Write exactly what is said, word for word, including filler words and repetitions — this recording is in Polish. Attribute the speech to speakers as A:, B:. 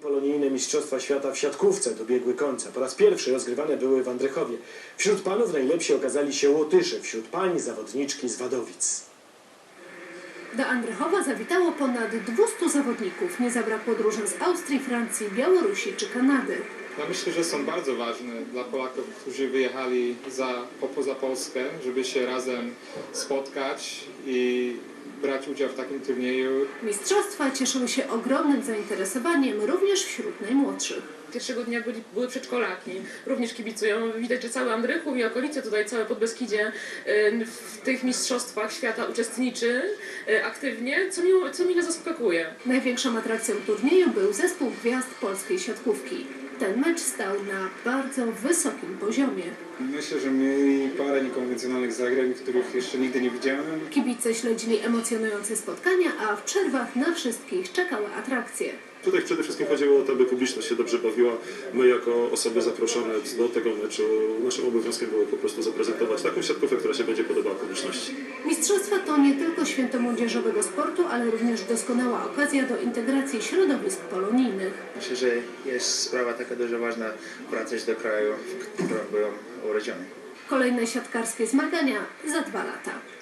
A: Polonijne Mistrzostwa Świata w siatkówce dobiegły końca. Po raz pierwszy rozgrywane były w Andrychowie. Wśród panów najlepsi okazali się Łotysze, wśród pań zawodniczki z Wadowic.
B: Do Andrychowa zawitało ponad dwustu zawodników. Nie zabrakło drużyn z Austrii, Francji, Białorusi czy Kanady.
C: Ja myślę, że są bardzo ważne dla Polaków, którzy wyjechali za, poza Polskę, żeby się razem spotkać i brać udział w takim turnieju.
B: Mistrzostwa cieszyły się ogromnym zainteresowaniem również wśród najmłodszych.
D: Pierwszego dnia byli, były przedszkolaki, również kibicują. Widać, że cały Andrychów i okolice, tutaj całe Podbeskidzie y, w tych mistrzostwach świata uczestniczy y, aktywnie, co, mi, co mile zaskakuje.
B: Największą atrakcją turnieju był zespół gwiazd polskiej siatkówki. Ten mecz stał na bardzo wysokim poziomie.
E: Myślę, że mieli parę niekonwencjonalnych zagrań, których jeszcze nigdy nie widziałem.
B: Kibice śledzili emocjonujące spotkania, a w przerwach na wszystkich czekały atrakcje.
F: Tutaj przede wszystkim chodziło o to, aby publiczność się dobrze bawiła. My jako osoby zaproszone do tego meczu, naszym obowiązkiem było po prostu zaprezentować taką siatkówkę, która się będzie podobała publiczności.
B: Mistrzostwa to nie tylko święto młodzieżowego sportu, ale również doskonała okazja do integracji środowisk polonijnych.
G: Myślę, że jest sprawa taka dużo ważna wracać do kraju, w którym byłem urodzony.
B: Kolejne siatkarskie zmagania za dwa lata.